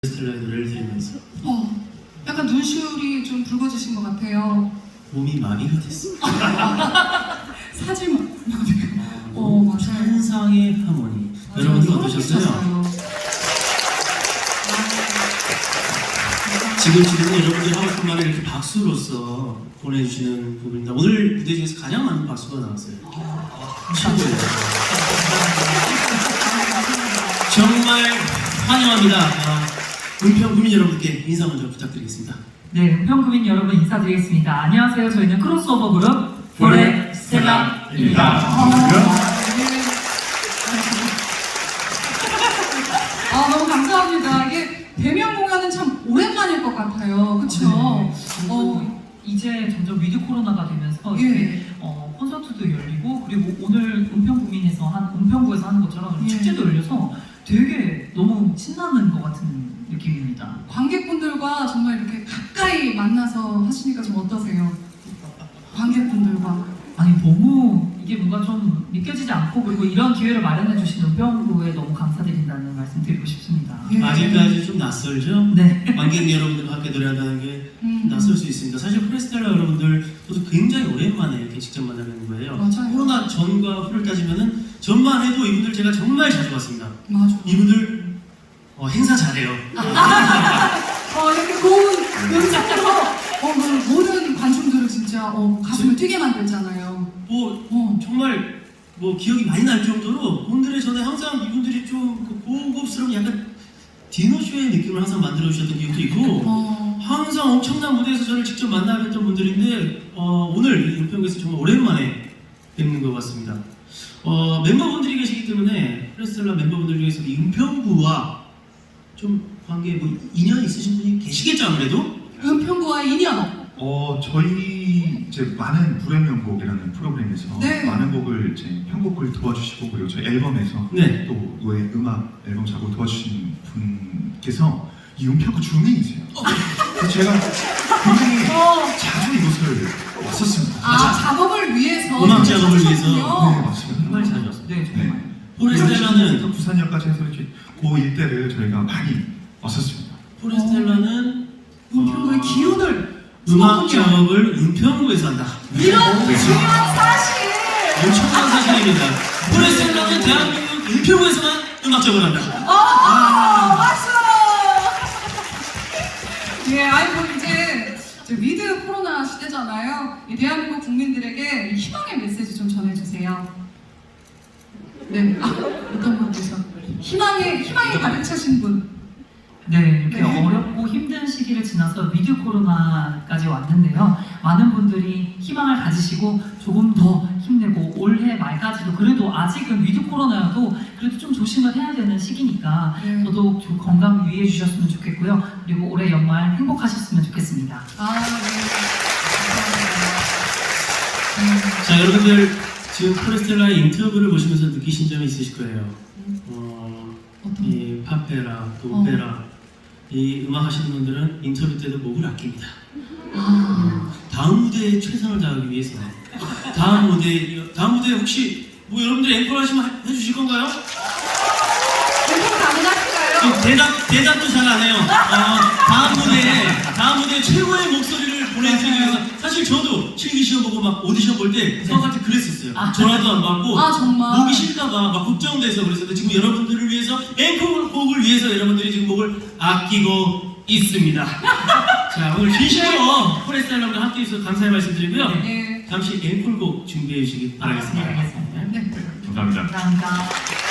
스텔라의 노래를 들으면서 약간 눈시울이 좀 붉어지신 것 같아요. 몸이 마비가 됐어. 사진 맞아요. 천상의 하모니. 여러분들 어떠셨어요? 지금 여러분들이 하고 싶은 말을 이렇게 박수로서 보내주시는 부분입니다. 오늘 무대 중에서 가장 많은 박수가 나왔어요. 최고예요. 정말 환영합니다. 은평구민 여러분께 인사 먼저 부탁드리겠습니다. 네, 은평구민 여러분 인사드리겠습니다. 안녕하세요. 저희는 크로스오버 그룹 포레스텔라입니다. 너무 감사합니다. 이게 대면 공연은 참 오랜만일 것 같아요. 그렇죠? 이제 점점 위드 코로나가 되면서 예. 콘서트도 열리고 그리고 오늘 은평구에서 하는 것처럼 예. 축제도 열려서 되게 너무 신나는 것 같은 느낌입니다. 관객분들과 정말 이렇게 가까이 만나서 하시니까 좀 어떠세요? 관객분들과. 아니 너무 이게 뭔가 좀 믿겨지지 않고 그리고 이런 기회를 마련해 주신 은평구에 너무 감사드린다는 말씀 드리고 싶습니다. 예. 아직까지 좀 낯설죠? 네. 관객 여러분들과 함께 노래한다는 게 낯설 수 있습니다. 사실 포레스텔라 여러분들 저도 굉장히 오랜만에 이렇게 직접 만나는 거예요. 맞아요. 코로나 전과 후를 따지면은 전만 해도 이분들 제가 정말 자주 봤습니다. 맞아. 이분들 행사 잘해요. 이렇게 고운 음색으로 모든 관중들을 진짜 가슴을 뛰게 만들잖아요. 정말 기억이 많이 날 정도로 오늘의 전에 항상 이분들이 좀 고급스러운 약간 디너쇼의 느낌을 항상 만들어주셨던 기억도 있고 항상 엄청난 무대에서 저를 직접 만나 뵀던 분들인데 오늘 은평구에서 정말 오랜만에 뵙는 것 같습니다. 멤버분들이 계시기 때문에 포레스텔라 멤버분들 중에서 이 은평구와 좀 관계 인연 있으신 분이 계시겠죠 아무래도? 은평구와의 인연. 저희 이제 많은 불의 명곡이라는 프로그램에서 네. 많은 곡을 이제 편곡을 도와주시고 그리고 저희 앨범에서 네. 또 노래 음악 앨범 작곡을 도와주신 분께서 이 은평구 주민이세요. 그래서 제가 굉장히 자주 이곳을 왔었습니다. 작업을 위해서. 음악 작업을 위해서. 네, 맞습니다. 정말 잘 왔습니다. 네, 정말. 포레스텔라는 부산역까지 해서 이렇게 그 일대를 저희가 많이 왔었습니다. 포레스텔라는 은평구의 기운을. 음악 작업을 은평구에서 한다. 이런 중요한 사실. 엄청난 사실입니다. 포레스텔라는 대한민국 은평구에서만 음악 작업을 한다. 박수! 예, 이제 위드 코로나 시대잖아요. 이 대한민국 국민들에게 희망의 메시지 좀 전해주세요. 네, 어떤 분께서 희망이 가득 차신 분. 네, 이렇게 네. 어렵고 힘든 시기를 지나서 위드 코로나까지 왔는데요. 많은 분들이 희망을 가지시고 조금 더 힘내고 올해 말까지도 그래도 아직은 위드 코로나여도 그래도 좀 조심을 해야 되는 시기니까 네. 저도 좀 건강 유의해 주셨으면 좋겠고요. 그리고 올해 연말 행복하셨으면 좋겠습니다. 네. 감사합니다. 자, 여러분들 지금 포레스텔라의 인터뷰를 보시면서 느끼신 점이 있으실 거예요. 이 팝페라, 또 오페라, 이 음악 하시는 분들은 인터뷰 때도 목을 아낍니다. 다음 무대에 최선을 다하기 위해서 다음 무대에 혹시 여러분들 앵콜 하시면 해주실 건가요? 앵콜 가능하실까요? 대답도 잘 안 해요. 다음 무대에 최고의 목소리를 보내드리기 위해서 사실 저도 실기 시험 보고 막 오디션 볼 때 성한테 그랬었어요. 전화도 안 받고 정말. 목이 싫다가 막 걱정돼서 그랬었는데 지금 여러분들을 위해서 앵콜곡을 위해서 여러분들이 지금 목을 아끼고 있습니다. 자, 오늘 진심으로 포레스텔라와 함께 해주셔서 감사의 말씀드리고요. 네. 잠시 앵콜곡 준비해 주시기 바라겠습니다. 알겠습니다. 네. 감사합니다. 감사합니다.